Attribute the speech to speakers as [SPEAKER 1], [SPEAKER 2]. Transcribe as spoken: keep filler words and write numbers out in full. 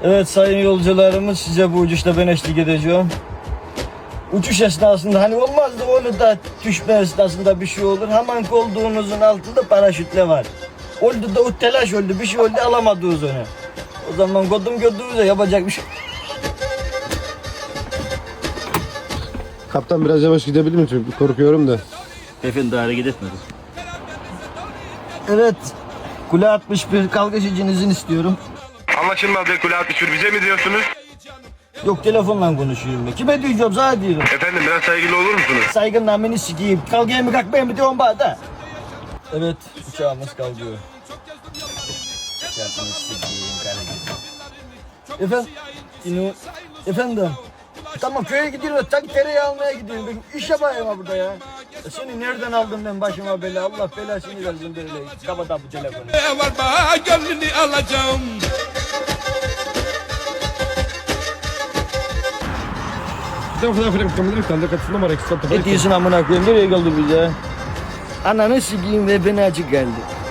[SPEAKER 1] Evet sayın yolcularımız, size bu uçuşta ben eşlik edeceğim. Uçuş esnasında hani olmazdı onu da düşme esnasında bir şey olur. Hemen koltuğunuzun altında paraşütle var. Oldu da o telaş oldu, bir şey oldu, alamadınız onu. O zaman kodum gördüğünüzde yapacak bir şey.
[SPEAKER 2] Kaptan biraz yavaş gidebilir mi? Çünkü korkuyorum da.
[SPEAKER 3] Efendim daha hareket etmedi.
[SPEAKER 1] Evet, kule altmış bir kalkış için izin istiyorum.
[SPEAKER 4] Anlaşılmadı. Kule altmış bir bize mi diyorsunuz?
[SPEAKER 1] Yok, telefonla konuşuyorum ben. Kime diyeceğim, sana diyorum.
[SPEAKER 4] Efendim biraz saygılı olur musunuz?
[SPEAKER 1] Saygından beni sikeyim. Kalkayım mı kalkmayayım mı diyorum bana da. Evet, uçağımız kalkıyor. Uçağımız sikeyim kalkıyor. Efendim, yine, efendim. Tamam köye gidiyorum, tak tereyağı almaya gidiyorum. Ben iş yapayım ha burada ya. E seni nereden aldım ben başıma bela? Allah belasını versin böyle. Kapat bu telefonu.
[SPEAKER 5] Var bana gönlünü alacağım.
[SPEAKER 1] Ne diyorsun amına koyayım? Nereye geldi bize? Ananı sikeyim ve beni acık geldi.